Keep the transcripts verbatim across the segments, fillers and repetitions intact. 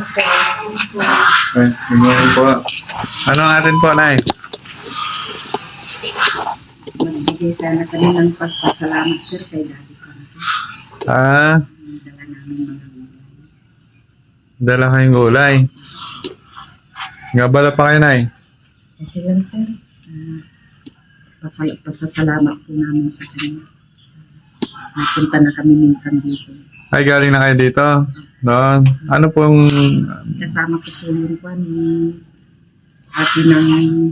po. Ay, hindi po. Ano ang atin po, Nay? Magbigay sana kami ng pasalamat, sir, kay Daddy Frankie. Ah, Dala namin mga gulay. dala kayong gulay. Gabala pa kayo, Nay. Okay lang, sir. Uh, pasal pasasalamat po namin sa kanya. Napunta na kami minsan dito. Ay, galing na kayo dito. Doon. Ano pong... Kasama ko po yung kwan, yung ate ng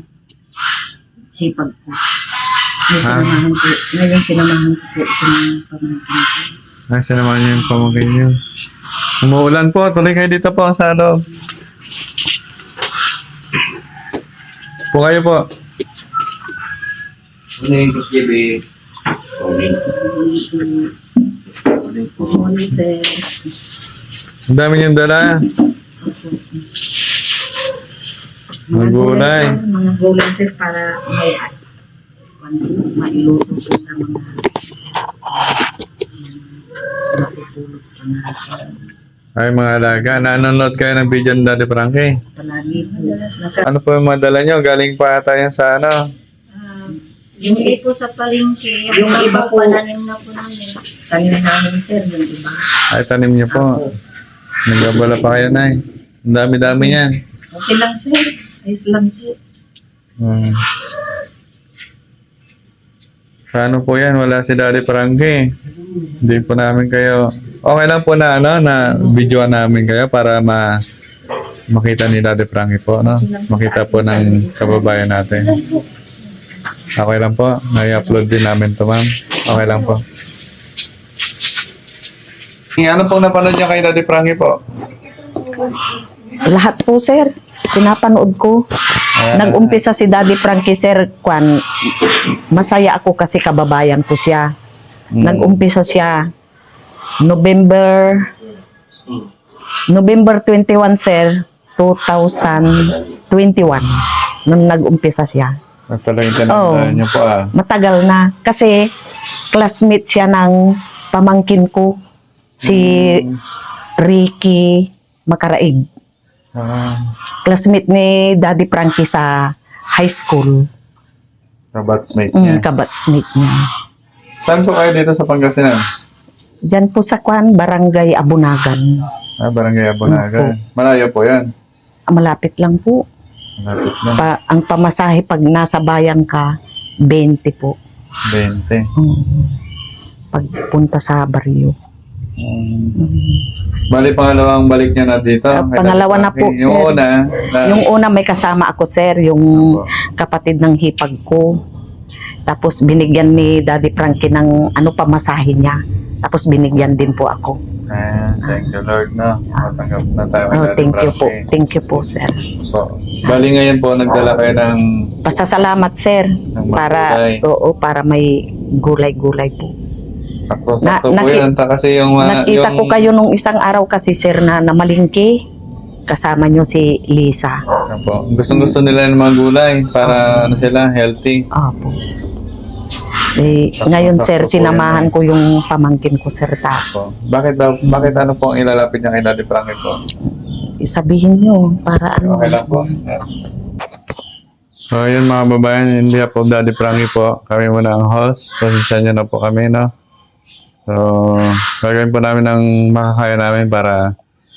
hipag ko. May Ah. sinamahan ko. Ngayon sinamahan ko po itong pamangkin ko. Ay, sinamahan niyo yung pamagay niyo. Umuulan po. Tuloy kayo dito po sa loob. Po kayo po. Ano yung Boss J B? Sorry. Good morning, sir. Ang dami niyong dala. Mga gulay. Sir, mga gulay, sir, para may mailusog po sa mga matutulog pa na Ay, mga alaga. Nanonood kayo ng video ni Daddy Frankie. palagi po. Naka, Ano po yung mga dala niyo? Galing pa ata yan sa ano? yung, Hindi po sa palengke. Yung iba po, pananim na po namin. kanina namin, sir, yung iba. Ay, tanim niyo po. Nagabala pa kayo, Nay. Ang dami-dami yan. Okay lang, sir. Ayos lang po. Hmm. Paano po yan? Wala si Daddy Frankie. Hindi po namin kayo... Okay lang po na ano, na videoan namin kayo para ma makita ni Daddy Frankie po, no? Makita po ng kababayan natin. Okay lang po. Nai-upload din namin to, ma'am. Okay lang po. Ano pong napanood niyo kay Daddy Frankie po? Lahat po, sir. Pinapanood ko. Ayan. Nag-umpisa si Daddy Frankie, sir, kwan, masaya ako kasi kababayan ko siya. Mm. Nag-umpisa siya November November twenty-one, sir, two thousand twenty-one. Nung nag-umpisa siya. At talagang Oo. tinatandaan niyo po, ah. Matagal na. Kasi classmate siya ng pamangkin ko. Si Mm. Ricky Macaraig. Ah, Classmate ni Daddy Frankie sa high school. kabatsmate niya. Mm, kabatsmate niya. Saan po kayo dito sa Pangasinan? Diyan po sa Kwan, Barangay Abunagan. Ah, Barangay Abunaga. Malayo po yan. Ah, Malapit lang po. Malapit lang. Pa, ang pamasahe pag nasa bayan ka, twenty po. twenty. Mm. Pagpunta sa baryo. Um, Mm. bali, pangalawang balik niya na dito. Ah, Kay pangalawa Daddy na po, Frankie. Yung sir. una, na, Yung una may kasama ako, sir, yung Opo. kapatid ng hipag ko. Tapos binigyan ni Daddy Frankie ng ano pamasahe niya. Tapos binigyan din po ako. Ah, thank you Lord, no? Matanggap na tayo kay Oh, Daddy thank you po. Frankie. Thank you po, sir. So, bali ngayon po, nagdala kayo ng, Pasasalamat, sir, ng mga para gulay. oo, para may gulay-gulay po. Sakto-sakto Na- po naki- yan. Ta kasi yung, ah, Nakita yung, ko kayo nung isang araw kasi, sir, na namalingki. Kasama nyo si Lisa. Opo. Gustong-gusto nila ng mga gulay para ano sila, healthy. Opo. Eh, Sakto- ngayon, sakto sir, po sinamahan yan, ko yung pamangkin ko, sir, ta. Opo. Bakit daw, bakit ano po ang ilalapit niya kay Daddy Frankie po? Sabihin nyo, para ano. Okay lang po. Yeah. So, yun mga babayan, hindi po Daddy Frankie po. Kami muna ang host. Pasensya niyo na po kami, no? So, gagawin po namin ang makakaya namin para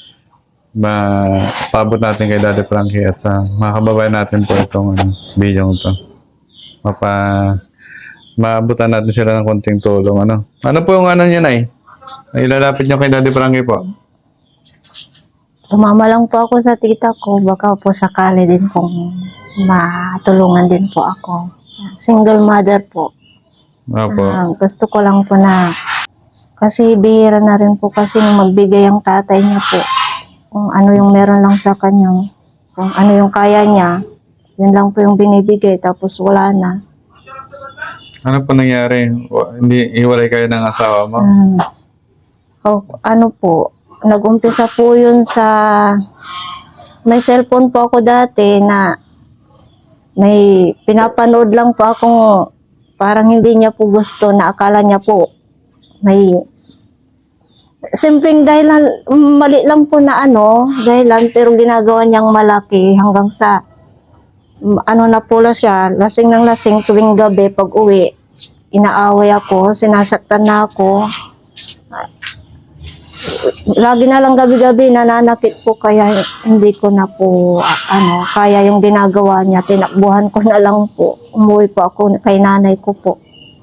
mapabot natin kay Daddy Frankie at sa mga kababayan natin po itong ano, video ito. Mapa, maabutan natin sila ng konting tulong. Ano, ano po yung ano niya, Nay? Ilalapit niyo kay Daddy Frankie po. Sumama lang po ako sa tita ko. Baka po sakali din pong matulungan din po ako. Single mother po. Opo. Ah, gusto ko lang po na kasi bihira na rin po kasi magbigay ang tatay niya po. Kung ano yung meron lang sa kanya. Kung ano yung kaya niya. Yun lang po yung binibigay. Tapos wala na. Ano po nangyari? Wa- Hindi iwalay kayo ng asawa mo? Um, oh, ano po, nag-umpisa po yun sa, may cellphone po ako dati na may pinapanood lang po akong parang hindi niya po gusto na akala niya po may simpleng dahilan, mali lang po na ano, dahilan, pero ginagawa niyang malaki hanggang sa, mm, ano na pula siya, lasing ng lasing tuwing gabi pag uwi, inaaway ako, sinasaktan na ako. Lagi na lang gabi-gabi nananakit po kaya hindi ko na po a- ano, kaya yung ginagawa niya, tinakbuhan ko na lang po. Umuwi po ako kay nanay ko po.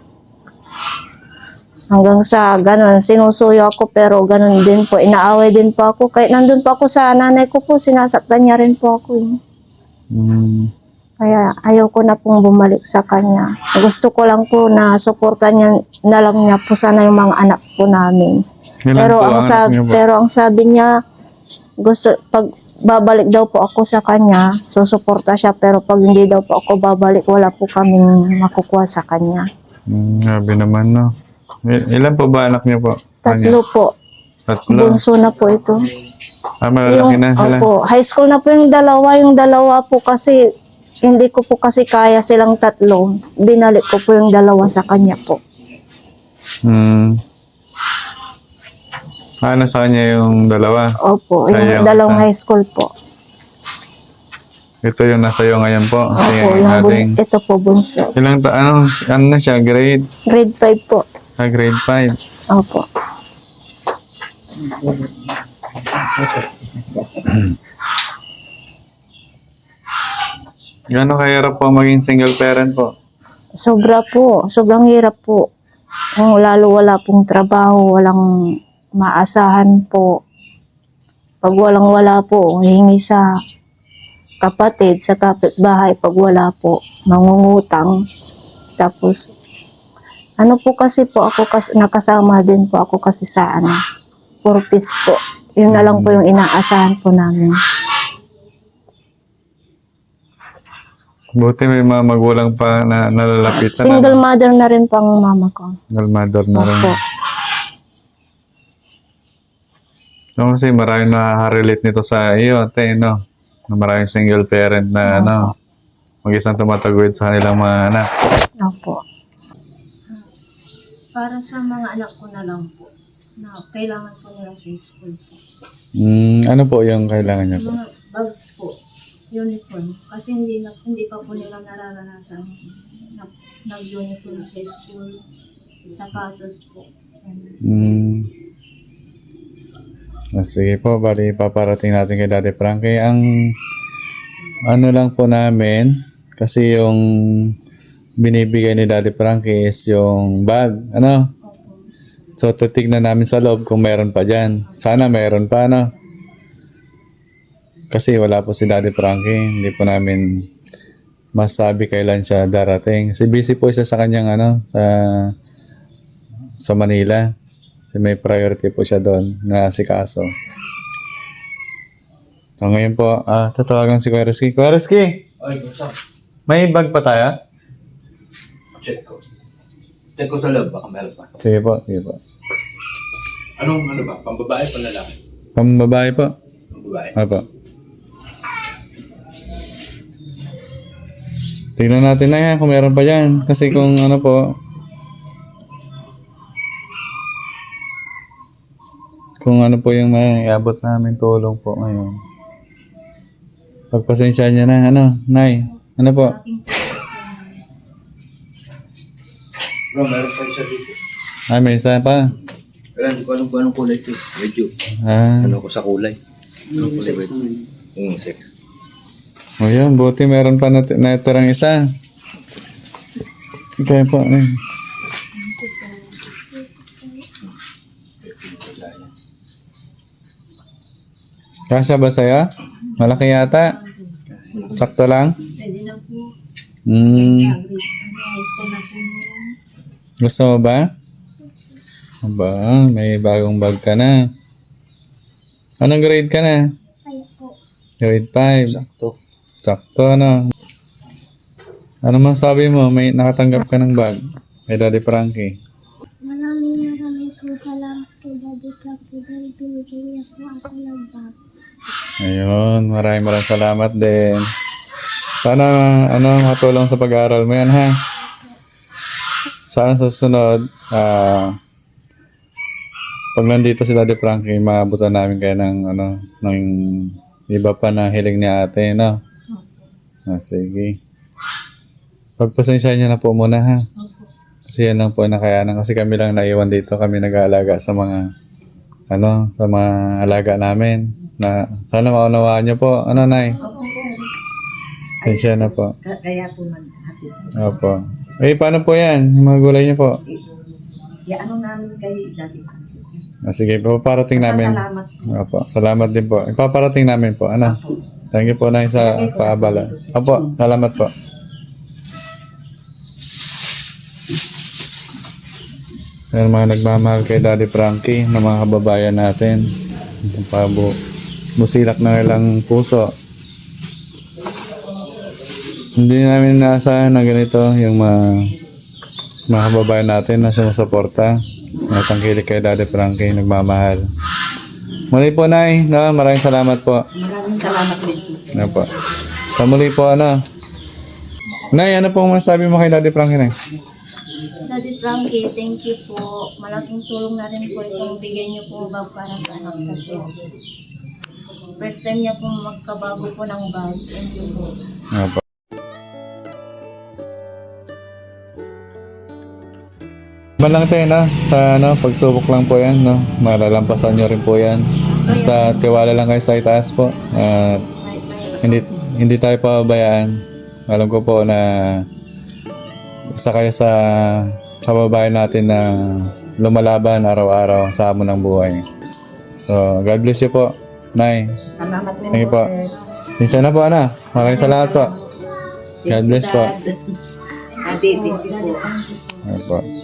Hanggang sa ganun, sinusuyo ako pero ganun din po, inaaway din po ako. Kahit nandun po ako sa nanay ko po, sinasaktan niya rin po ako. eh. Mm. Kaya ayaw ko na pong bumalik sa kanya. Gusto ko lang po na suportan niya na lang niya po sana yung mga anak po namin. Ilan Pero po ang anak sabi, niyo po? pero ang sabi niya, gusto pag babalik daw po ako sa kanya, susuporta siya, pero pag hindi daw po ako babalik, wala po kaming makukuha sa kanya. Mm, grabe naman, no? Il- ilan po ba anak niyo po? Tatlo po. Tatlo. Bunso na po ito. Ah, malalaki na sila. opo, high school na po yung dalawa. Yung dalawa po kasi, hindi ko po kasi kaya silang tatlo. Binalik ko po yung dalawa sa kanya po. Hmm. Ano sa kanya yung dalawa? Opo, Sayang, yung dalawang sayang. high school po. Ito yung nasa iyo ngayon po. Opo, Kasi yung bun- ating... ito po bunso. Ilang ta... Ano, ano na siya? Grade? Grade five po. Ah, grade five. Opo. Gano'ng kahirap po maging single parent po? Sobra po. Sobrang hirap po. Kung lalo wala pong trabaho, walang maasahan po. Pag walang wala po, hingi sa kapatid, sa kapitbahay. Pag wala po, mangungutang. Tapos, ano po kasi po, ako kasi, nakasama din po ako kasi sa ano, purpose po. Yun na lang po yung inaasahan po namin. Buti may mga magulang pa na nalalapitan. Single ano? mother na rin po ang mama ko. Single mother na rin. Opo. No, kasi maraming nakaka-relate nito sa iyo, ate, no? Na maraming single parent na, ano, mag-isang tumataguyod sa kanilang mga anak. Opo. Para sa mga anak ko na lang po, na kailangan po nila sa school po. Mm, ano po yung kailangan niya po? Mga bags po, uniform. Kasi hindi na hindi pa po nila nararanasan na, nag-uniform sa school, sapatos po. Ganun. Mm. Ah, sige po, bali paparating natin kay Daddy Frankie. Ang ano lang po namin, kasi yung binibigay ni Daddy Frankie is yung bag, ano? Opo. So, titignan namin sa loob kung meron pa dyan. Sana meron pa, no? Kasi wala po si Daddy Frankie. Hindi po namin masabi kailan siya darating. Kasi busy po siya sa kanyang, ano, sa sa Manila. Kasi may priority po siya doon na asikaso. So, ngayon po, ah, tatawagan si Kuya Rizky. Kuya Rizky, Ay, basta. may bag pa tayo? Check ko. Check ko sa loob, baka meron pa. Sige po, sige po. Anong ano ba? Pambabae, panlalaki? Pambabae po. Pambabae. Apa. Tingnan natin na yan kung meron pa dyan. Kasi kung ano po, kung ano po yung may iabot namin tulong po ngayon. Pagpasensya niya na, ano, Nay, ano po? Bro, meron pa isa dito. Ah, may isa pa. Pero hindi ko alam kung anong kulay ito. Medyo. Ah, Ano ko sa kulay. Anong kulay ba ito? Yung sex. o yun, buti meron pa nat- natirang isa. Kaya po, eh. Kasya ba sa'yo? Malaki yata? Sakto lang? Pwede na po. Hmm, Ano, high school na po ngayon. gusto mo ba? Aba, may bagong bag ka na. Anong grade ka na? Ay po. Grade five. Sakto. Sakto, ano? Ano masabi mo? May nakatanggap ka ng bag kay Daddy Frankie. Maraming maraming po salamat kay Daddy Frankie dahil binigay niya po ako ng bag. Ayun, maraming maraming salamat din. Sana, ano, matulong sa pag-aaral mo yan, ha? Sana sa susunod, ah, pag nandito si Daddy Frankie, maabutan namin kayo ng ano, ng iba pa na hiling ni ate, no? Ah, sige. Pagpasensya niyo na po muna, ha? Kasi yan lang po ang nakayanan. Kasi kami lang naiwan dito. Kami nag-aalaga sa mga, ano, sa mga alaga namin. Na, sana maunawaan niyo po. Ano, Nay? Pasensya na po. Kaya po maghatid. Opo. Eh, paano po yan? Yung mga gulay niyo po? Ano namin kay Daddy Frankie. Ah, sige, paparating namin. Salamat. Opo, salamat din po. Ipaparating namin po. Ano? Thank you po, Nay, sa paabala. Opo, salamat po. Yan mga nagmamahal kay Daddy Frankie na mga kababayan natin. Pabu busilak na ilang puso. Hindi namin naasahan na ganito yung mga, mga kababayan natin na sumusuporta. Natangkilik kay Daddy Frankie, nagmamahal. Muli po, Nay. No, maraming salamat po. Maraming salamat din po sir. Ano po. Sa muli po, ano. Nay, ano pong masabi mo kay Daddy Frankie, Nay? Daddy Frankie, thank you po. Malaking tulong na rin po itong bigay niyo po bag para sa anak ko po. First time niya po magkabago po ng bag. Thank you po. Ano po. Man lang tayo, no? Sa ano, pagsubok lang po yan, no? Malalampasan nyo rin po yan. Sa tiwala lang kayo sa itaas po. At hindi, hindi tayo pababayaan. Alam ko po na isa kayo sa kababayan natin na lumalaban araw-araw sa hamon ng buhay. So, God bless you po, Nay. Salamat din Thank you po po. sir. Minsan na po, Ana. Maraming salamat po. God bless po. Ate, thank you po. Ano po.